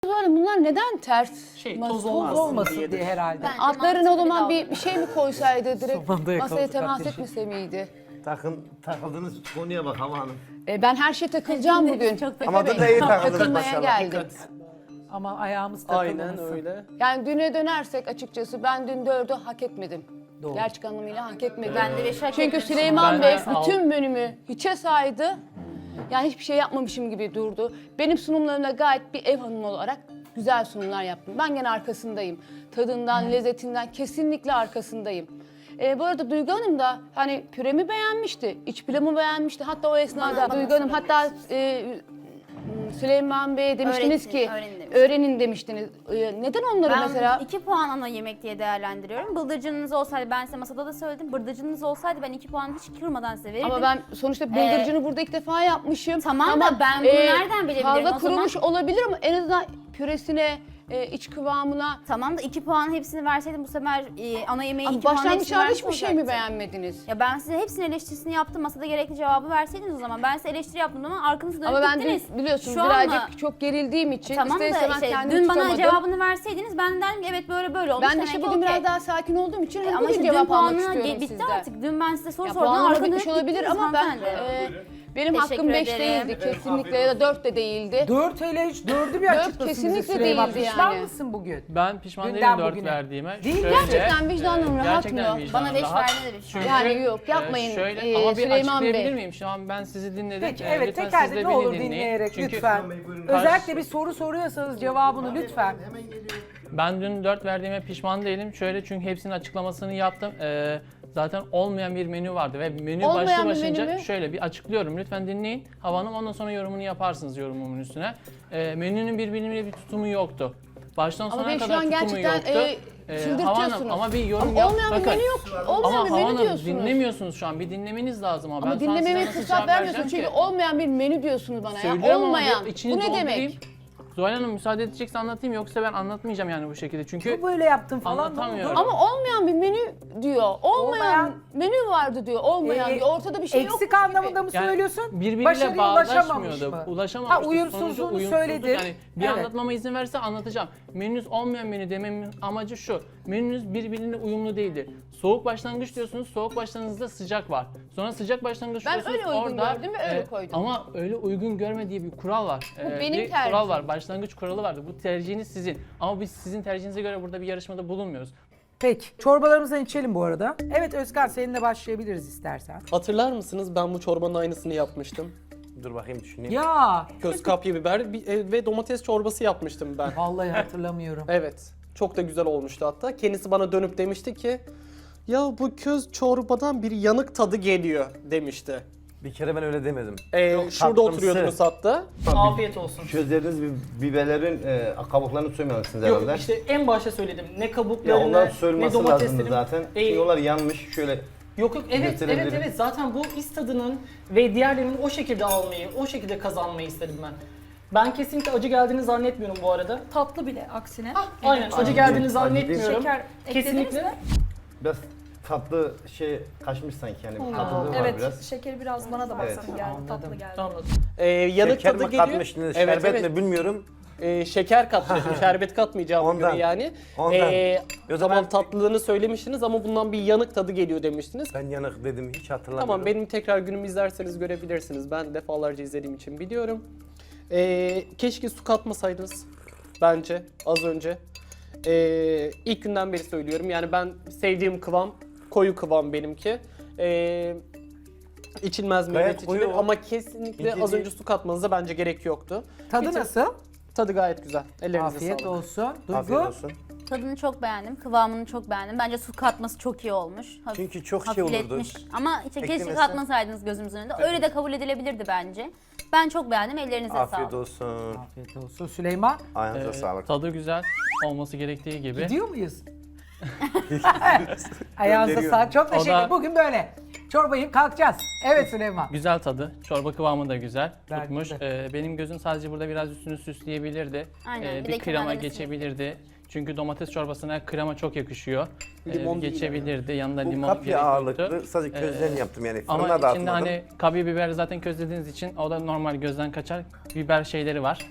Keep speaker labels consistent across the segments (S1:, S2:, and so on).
S1: Böyle bunlar neden ters?
S2: Toz
S3: Toz olmasın diye herhalde.
S1: Altlarına o zaman bir şey mi koysaydı direkt
S3: Somanda yakaladık
S1: masaya temas
S3: ateşi.
S1: etmese miydi?
S4: Takıldığınız konuya bak Hava Hanım.
S1: Ben her şeye takılacağım bugün.
S4: Ama da iyi takıldınız
S1: Takılmaya
S4: maşallah.
S1: geldim.
S3: Ama ayağımız takılmasın.
S2: Aynen öyle.
S1: Yani düne dönersek açıkçası ben dün 4'ü hak etmedim.
S3: Doğru.
S1: Gerçek anlamıyla hak etmedim.
S5: Ben de 5 hak
S1: Çünkü
S5: etmemişim.
S1: Süleyman
S2: Ben
S1: Bey
S2: de
S1: bütün menümü hiçe saydı. Yani hiçbir şey yapmamışım gibi durdu. Benim sunumlarımda gayet bir ev hanımı olarak güzel sunumlar yaptım. Ben gene arkasındayım. Tadından, lezzetinden kesinlikle arkasındayım. Bu arada Duygu Hanım da hani püremi beğenmişti, iç pilavımı beğenmişti. Hatta o esnada Duygu Hanım hatta Süleyman Bey'e demiştiniz
S5: Öğretin,
S1: ki
S5: öğrenin demiştim.
S1: öğrenin demiştiniz. Neden onları
S5: Ben
S1: mesela
S5: 2 puan ana yemek diye değerlendiriyorum. Bıldırcınınız olsaydı, ben size masada da söyledim. Bıldırcınınız olsaydı ben 2 puan hiç kırmadan size verirdim.
S1: ama ben sonuçta bıldırcını burada ilk defa yapmışım.
S5: Tamam da ben bunu nereden bilebilirim
S1: Fazla
S5: o zaman?
S1: kurumuş olabilir ama en azından püresine, iç kıvamına.
S5: Tamam da 2 puan hepsini verseydim bu sefer ana yemeği 2
S1: Ama
S5: puan hepsini
S1: başlangıçlarda
S5: vermiş
S1: hiçbir şey mi
S5: olacaktı.
S1: beğenmediniz?
S5: Ya ben size hepsinin eleştirisini yaptım. Masada gerekli cevabı verseydiniz o zaman. Ben size eleştiri yaptım ama arkanızı dönüp
S1: Ama ben
S5: gittiniz.
S1: dün biliyorsun
S5: Şu
S1: birazcık
S5: anda-
S1: çok gerildiğim için
S5: Tamam
S1: ister
S5: da
S1: istemez
S5: işte
S1: kendimi
S5: dün bana
S1: tutamadım.
S5: cevabını verseydiniz ben derdim ki evet böyle olmuş.
S1: Ben de
S5: demek
S1: işte
S5: ki
S1: bugün
S5: okey.
S1: biraz daha sakin olduğum için
S5: Ama
S1: bugün
S5: işte dün
S1: cevap almak
S5: puanına
S1: istiyorum
S5: bitti
S1: sizden.
S5: artık. Dün ben size soru
S1: Ya
S5: sordum.
S1: puanları
S5: Arkanı
S1: bitmiş
S5: dönüp
S1: olabilir
S5: gittiniz
S1: ama ben
S5: hanımefendi.
S1: benim
S5: Teşekkür
S1: hakkım 5
S5: ederim.
S1: değildi kesinlikle ya da 4 de değildi.
S3: 4 hele hiç 4'ü bir
S1: Dört
S3: açıklasın bize
S1: kesinlikle
S3: Süleyman.
S1: değildi
S3: Pişman
S1: yani.
S3: mısın bugün?
S2: Ben pişman
S3: Dünden
S2: değilim 4
S3: bugüne.
S2: verdiğime.
S3: Değil mi?
S1: Gerçekten vicdanım rahat
S2: gerçekten
S1: mı?
S2: vicdanım
S5: Bana 5
S2: rahat.
S5: verdi de bir şey.
S2: Çünkü,
S1: Yani yok, yapmayın,
S2: Şöyle ama bir
S1: Süleyman Bey.
S2: açıklayabilir miyim? Şu an ben sizi dinledim.
S3: Peki evet
S2: lütfen
S3: teker
S2: siz de
S3: ne
S2: beni
S3: olur
S2: dinleyin.
S3: dinleyerek
S2: Çünkü
S3: lütfen. Özellikle bir soru soruyorsanız cevabını lütfen.
S2: ben dün 4 verdiğime pişman değilim. Şöyle çünkü hepsinin açıklamasını yaptım. Zaten olmayan bir menü vardı ve menü
S1: Olmayan
S2: başlı
S1: bir
S2: başınca
S1: menü mü?
S2: şöyle bir açıklıyorum. Lütfen dinleyin. Hava Hanım ondan sonra yorumunu yaparsınız yorumumun üstüne. Menünün birbirine bir tutumu yoktu. Baştan
S1: Ama
S2: sona
S1: beni şu
S2: kadar
S1: an
S2: tutumu
S1: gerçekten
S2: yoktu. Hava
S1: çıldırtıyorsunuz.
S2: Hanım ama bir yorum
S1: Ama
S2: yap.
S1: olmayan bir
S2: Bakın.
S1: menü yok.
S2: Ama
S1: Olmayan bir
S2: Hava
S1: menü
S2: Hanım
S1: diyorsunuz.
S2: dinlemiyorsunuz şu an. Bir dinlemeniz lazım ama.
S1: Ama
S2: Ben sonra size
S1: dinlememe
S2: nasıl
S1: fırsat
S2: cevap
S1: vermiyorsunuz
S2: vereceğim
S1: çünkü
S2: ki?
S1: olmayan bir menü diyorsunuz bana ya.
S2: Söylüyorum ama
S1: Olmayan.
S2: bir içini
S1: Bu ne
S2: doldurayım.
S1: demek?
S2: Zuhal Hanım müsaade edecekse anlatayım yoksa ben anlatmayacağım yani bu şekilde. Çünkü
S3: Bu böyle yaptın falan.
S2: Anlatamıyorum.
S1: Ama olmayan bir menü diyor. Olmayan menü vardı diyor. Olmayan diyor. Ortada bir şey yok.
S3: Eksik anlamında mı
S2: yani
S3: söylüyorsun?
S2: birbiriyle
S3: Başarıya ulaşamamış
S2: bağdaşmıyordu.
S3: mı?
S2: Ulaşamamıştı.
S3: Ha, uyumsuzluğunu
S2: Sonucu uyumsuzluk.
S3: söyledin.
S2: Yani bir
S3: Evet.
S2: anlatmama izin verirse anlatacağım. Menünüz olmayan menü dememin amacı şu. Menünüz birbirine uyumlu değildi. Soğuk başlangıç diyorsunuz. Soğuk başlangıçta sıcak var. Sonra sıcak başlangıç
S1: Ben
S2: diyorsunuz.
S1: öyle uygun
S2: orada,
S1: gördüm ve öyle koydum.
S2: Ama öyle uygun görme diye bir kural var.
S1: Bu benim
S2: bir
S1: tercihim.
S2: kural var. Başlangıç kuralı vardı. Bu tercihiniz sizin. Ama biz sizin tercihinize göre burada bir yarışmada bulunmuyoruz.
S3: Peki çorbalarımızdan içelim bu arada. Evet Özkan seninle başlayabiliriz istersen.
S6: Hatırlar mısınız? Ben bu çorbanın aynısını yapmıştım.
S4: Dur bakayım düşüneyim.
S3: Ya
S6: Köz kapya biber ve domates çorbası yapmıştım ben.
S3: vallahi hatırlamıyorum.
S6: Evet. Çok da güzel olmuştu hatta. Kendisi bana dönüp demişti ki ya bu köz çorbadan bir yanık tadı geliyor demişti.
S4: Bir kere ben öyle demedim.
S6: Şurada
S4: tatlımsı.
S6: oturuyordunuz hatta.
S7: Afiyet olsun.
S4: Çözleriniz biberlerin kabuklarını soymamışsınız
S7: Yok
S4: herhalde.
S7: işte en başta söyledim. Ne
S4: Ya
S7: kabuklarını,
S4: onların
S7: ne
S4: soyulması lazımdı
S7: domateslerini.
S4: zaten. Çünkü onlar yanmış şöyle.
S7: Yok evet
S4: gösterebilirim.
S7: evet zaten bu is tadının ve diğerlerinin o şekilde almayı, o şekilde kazanmayı istedim ben. Ben kesinlikle acı geldiğini zannetmiyorum bu arada.
S8: Tatlı bile aksine.
S7: Aynen acı geldiğini
S4: Acı
S7: zannetmiyorum.
S8: Şeker eklediniz
S7: Kesinlikle.
S8: mi?
S4: Biraz tatlı şey kaçmış sanki yani. Bir tatlılığı var
S8: Evet,
S4: biraz.
S8: şekeri biraz bana da baksana
S4: Evet.
S8: geldi, tatlı geldi.
S7: Anladım.
S6: Yanık
S4: Şeker
S6: tadı
S4: mi
S6: geliyor.
S4: katmıştınız,
S6: Evet,
S4: şerbet
S6: evet.
S4: mi bilmiyorum.
S6: Şeker katmıştım. Şerbet katmayacağım
S4: Ondan.
S6: göre yani.
S4: Ondan.
S6: O zaman tatlılığını söylemiştiniz ama bundan bir yanık tadı geliyor demiştiniz.
S4: Ben yanık dedim hiç hatırlamıyorum.
S6: Tamam benim tekrar günümü izlerseniz görebilirsiniz. Ben defalarca izlediğim için biliyorum. Keşke su katmasaydınız bence az önce. İlk günden beri söylüyorum. Yani ben sevdiğim kıvam koyu kıvam benimki. İçilmez mi?
S4: Gayet
S6: Evet,
S4: koyu
S6: içilir
S4: o.
S6: ama kesinlikle
S4: İnce
S6: az
S4: değil.
S6: önce su katmanıza bence gerek yoktu.
S3: Tadı
S6: Bir tık-
S3: nasıl?
S6: Tadı gayet güzel. Ellerinize
S3: Afiyet
S6: sağlık.
S3: olsun.
S4: Afiyet
S3: Duygu.
S4: olsun.
S5: Tadını çok beğendim, kıvamını çok beğendim. Bence su katması çok iyi olmuş.
S4: Çünkü çok şey olurdu.
S5: hafifletmiş. Ama işte keşke
S4: Eklemesi.
S5: katmasaydınız gözümüzün önünde. Öyle de kabul edilebilirdi bence. Ben çok beğendim, ellerinize
S4: Afiyet
S5: sağlık.
S4: olsun.
S3: Afiyet olsun. Süleyman
S4: Ayağınıza sağlık.
S2: Tadı güzel olması gerektiği gibi.
S3: gidiyor muyuz? Ayağınıza
S4: Gönderiyorum.
S3: sağlık. Çok
S2: O
S3: teşekkür
S2: da-
S3: ederim. Bugün böyle. çorbayı kalkacağız. Evet Süleyman.
S2: Güzel tadı. Çorba kıvamı da güzel.
S3: Bence
S2: Tutmuş.
S3: de.
S2: Benim gözüm sadece burada biraz üstünü süsleyebilirdi.
S5: Aynen, bir de
S2: Bir krema
S5: kenarlarını
S2: geçebilirdi. Çünkü domates çorbasına krema çok yakışıyor.
S6: Limon değil
S2: Geçebilirdi. Yanında
S4: Bu
S2: limon
S4: kapya
S2: gerek
S4: ağırlıklı
S2: yoktu.
S4: sadece közlerini yaptım yani fırına
S2: Ama
S4: da
S2: içinde
S4: atmadım.
S2: hani kapya biber zaten közlediğiniz için o da normal gözden kaçar biber şeyleri var.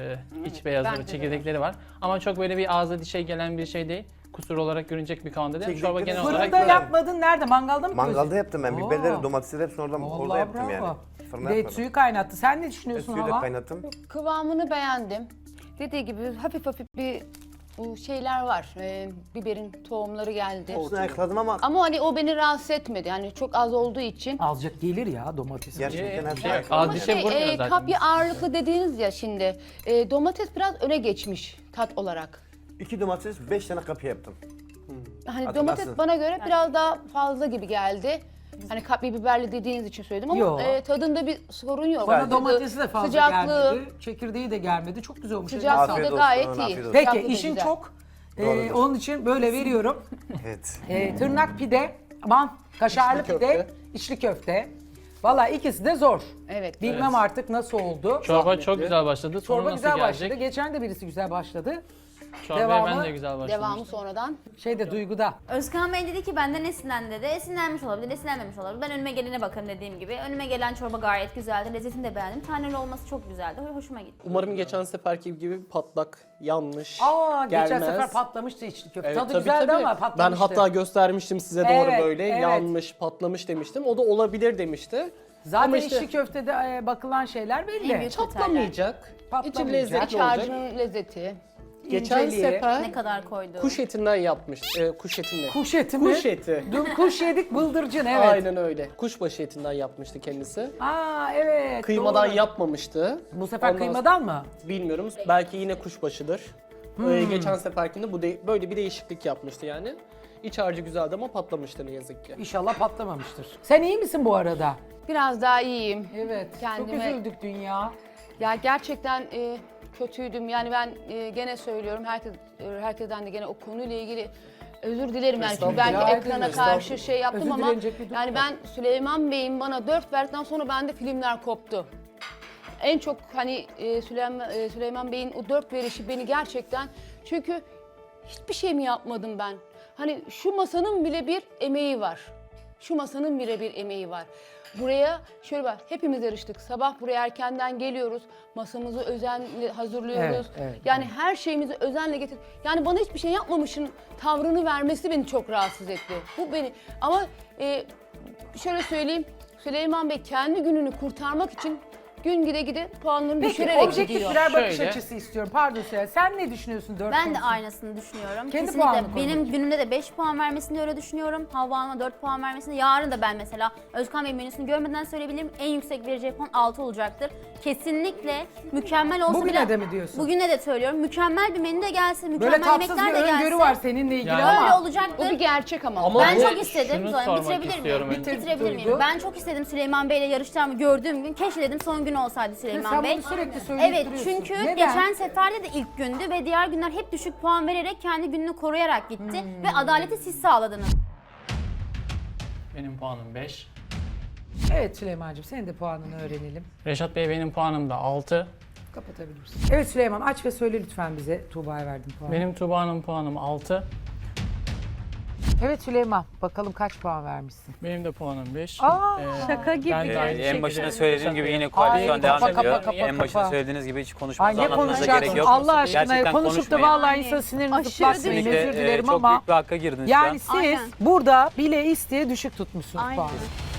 S2: İç beyazları,
S1: bence de
S2: çekirdekleri var. Ama çok böyle bir ağza dişe gelen bir şey değil. Kusur olarak görünecek bir kıvamda değil. Çorba
S4: Çekirdekleri
S2: genel olarak
S3: Fırında
S4: böyle.
S3: yapmadın. Nerede? Mangalda mı
S4: Mangalda
S3: közledin?
S4: yaptım ben.
S3: Oo.
S4: Biberleri, domatesleri hepsini orada
S3: Vallahi
S4: yaptım yani.
S3: bravo.
S4: Fırına
S3: Bir de
S4: yapmadım.
S3: suyu kaynattı. Sen ne düşünüyorsun
S4: Suyu da
S3: Hava?
S4: kaynattım.
S1: Kıvamını beğendim. Dediği gibi hafif bir bu şeyler var. Biberin tohumları geldi.
S4: Hepsini ayıkladım ama
S1: Ama hani o beni rahatsız etmedi. Yani çok az olduğu için.
S3: Azıcık gelir ya domates.
S4: gerçekten hepsini
S2: şey yok.
S4: ayıkladım.
S2: Az dişe vurmuyor zaten.
S1: Kapya ağırlıklı dediğiniz ya şimdi. Domates biraz öne geçmiş tat olarak.
S4: 2 domates, 5 tane kapya yaptım.
S1: Hani
S4: Hatırlarsın.
S1: domates bana göre biraz daha fazla gibi geldi. Hani kapya biberli dediğiniz için söyledim ama
S3: Yo.
S1: Tadında bir sorun yok.
S3: Bana
S1: Tadı,
S3: domatesi de fazla
S1: sıcaklığı,
S3: gelmedi. Çekirdeği de gelmedi. Çok güzel olmuş.
S1: Sıcaklığı
S4: Afiyet
S1: da
S4: olsun,
S1: gayet
S4: afiyet
S1: iyi.
S4: olsun.
S3: Peki
S1: Sıcaklığı da
S3: işin
S1: güzel.
S3: çok.
S4: Doğrudur.
S3: Onun için böyle veriyorum.
S4: Evet.
S3: Tırnak pide, aman kaşarlı
S6: İçli
S3: pide,
S6: köfte.
S3: içli köfte. Valla ikisi de zor.
S1: Evet.
S3: Bilmem artık nasıl oldu.
S2: Çorba çok güzel başladı. Sonu
S3: Çorba
S2: nasıl
S3: güzel
S2: gelecek?
S3: başladı. Geçen de birisi güzel başladı.
S2: Çorbaya
S3: Devamı-
S2: ben de güzel başladım.
S1: Devamı sonradan.
S3: Şeyde Duygu'da.
S5: Özkan Bey dedi ki benden esinlendi dedi. Esinlenmiş olabilir, esinlenmemiş olabilir. Ben önüme gelene bakarım dediğim gibi. Önüme gelen çorba gayet güzeldi. Lezzetini de beğendim. Taneli olması çok güzeldi. Hoşuma gitti.
S6: Umarım geçen seferki gibi patlak, yanlış,
S3: Geçen
S6: gelmez.
S3: sefer patlamıştı içli köfte.
S6: Evet,
S3: Tadı
S6: tabii,
S3: güzeldi
S6: tabii.
S3: ama
S6: Ben
S3: patlamıştı.
S6: hatta göstermiştim size
S3: Evet,
S6: doğru böyle.
S3: evet.
S6: Yanmış, patlamış demiştim. O da olabilir demişti.
S3: Zaten
S6: Ama işte-
S3: içli köftede bakılan şeyler belli.
S5: En büyük
S6: Patlamayacak. İçi
S3: Patlamayacak.
S6: lezzetli
S1: İç
S6: olacak.
S1: harcının lezzeti.
S6: Geçen
S3: İnceliği.
S6: sefer
S5: Ne kadar koydu?
S6: kuş etinden yapmış. Kuş etinden.
S3: Kuş eti mi?
S6: Kuş eti.
S3: Dün kuş yedik bıldırcın evet.
S6: Aynen öyle. Kuşbaşı etinden yapmıştı kendisi.
S3: Aa evet.
S6: Kıymadan
S3: doğru.
S6: yapmamıştı.
S3: Bu sefer
S6: Ondan
S3: kıymadan mı?
S6: Bilmiyorum. Belki yine kuşbaşıdır. Geçen seferkinde böyle bir değişiklik yapmıştı yani. İç harcı güzeldi ama patlamıştı ne yazık ki.
S3: İnşallah patlamamıştır. Sen iyi misin bu arada?
S1: Biraz daha iyiyim.
S3: Evet.
S1: Kendime-
S3: Çok üzüldük dünya.
S1: Ya gerçekten kötüydüm. Yani ben gene söylüyorum herkesten de gene o konuyla ilgili özür dilerim yani. Çünkü belki
S3: Estağfurullah.
S1: ekrana
S3: Estağfurullah.
S1: karşı şey yaptım
S3: Özür
S1: ama
S3: dilenecek bir durum
S1: yani
S3: yok.
S1: ben Süleyman Bey'in bana 4 verdikten sonra bende filmler koptu. En çok hani Süleyman Bey'in o 4 verişi beni gerçekten çünkü hiçbir şey mi yapmadım ben? Hani şu masanın bile bir emeği var. Şu masanın bile bir emeği var. Buraya şöyle bak hepimiz yarıştık. Sabah buraya erkenden geliyoruz. Masamızı özenle hazırlıyoruz.
S3: Evet,
S1: yani her şeyimizi özenle getir. Yani bana hiçbir şey yapmamışın tavrını vermesi beni çok rahatsız etti. Bu beni ama şöyle söyleyeyim. Süleyman Bey kendi gününü kurtarmak için gün gide puanlarını
S3: Peki
S1: düşürerek
S3: objektif
S1: gidiyor.
S3: birer bakış
S2: Şöyle.
S3: açısı istiyorum. Pardon Süleyman. Sen ne düşünüyorsun 4
S5: Ben de aynısını düşünüyorum.
S3: Kendi puanını
S5: Kesinlikle
S3: koy
S5: benim
S3: bakayım.
S5: günümde de 5 puan vermesini öyle düşünüyorum. Havva Hanım'a 4 puan vermesini. Yarın da ben mesela Özkan Bey menüsünü görmeden söyleyebilirim. En yüksek vereceği puan 6 olacaktır. Kesinlikle mükemmel olsa
S3: Bugüne
S5: bile...
S3: de mi diyorsun?
S5: Bugüne de söylüyorum. Mükemmel bir menü de gelse,
S3: Böyle
S5: mükemmel
S3: tatsız
S5: yemekler
S3: bir
S5: de gelse.
S3: öngörü var seninle ilgili
S2: Yani-
S3: ama.
S5: Öyle olacaktır.
S1: O bir gerçek ama.
S6: Ama
S5: Ben
S6: bu-
S5: çok istedim.
S2: şunu
S5: Sonra
S2: sormak
S5: bitirebilir
S2: istiyorum
S5: miyim?
S2: önce.
S5: Bitirebilir miyim?
S3: Duygu.
S5: Ben çok istedim Süleyman Bey'le yarışacağımı gördüğüm gün. Keşke dedim son gün olsaydı Süleyman
S3: Sen
S5: Bey.
S3: bunu sürekli söyleyip
S5: Evet
S3: duruyorsun.
S5: çünkü
S3: Neden?
S5: geçen seferde de ilk gündü ve diğer günler hep düşük puan vererek kendi gününü koruyarak gitti. Ve adaleti siz sağladınız.
S2: Benim puanım 5.
S3: Evet Süleyman'cığım senin de puanını öğrenelim.
S2: Reşat Bey benim puanım da 6.
S3: Kapatabilirsin. Evet Süleyman aç ve söyle lütfen bize Tuğba'ya verdiğin puanı.
S2: Benim Tuğba'nın puanım 6.
S3: Evet Süleyman bakalım kaç puan vermişsin?
S2: Benim de puanım 5.
S8: Şaka gibi.
S2: Ben de aynı
S9: En başına
S2: şekilde
S9: söylediğim gibi
S2: Reşat
S9: yine
S2: Bey-
S9: koalisyon
S3: Ay,
S9: devam
S3: kapa,
S9: ediyor.
S3: kapa, kapa,
S9: En başına
S3: kapa.
S9: söylediğiniz gibi hiç
S3: Ay
S9: konuşmanıza
S3: ne
S9: anlamanıza
S3: konuşacaksın?
S9: gerek yok.
S3: Allah aşkına
S9: Gerçekten
S3: konuşup da
S9: konuşmayın.
S3: vallahi insan sinirini
S1: Aşırı
S3: zıplatmayın
S1: değil.
S3: özür dilerim
S9: çok
S3: ama
S9: büyük bir hakka girdiniz şu
S3: yani
S9: an.
S3: siz
S5: Aynen.
S3: burada bile isteye düşük tutmuşsunuz
S5: Aynen.
S3: puanı.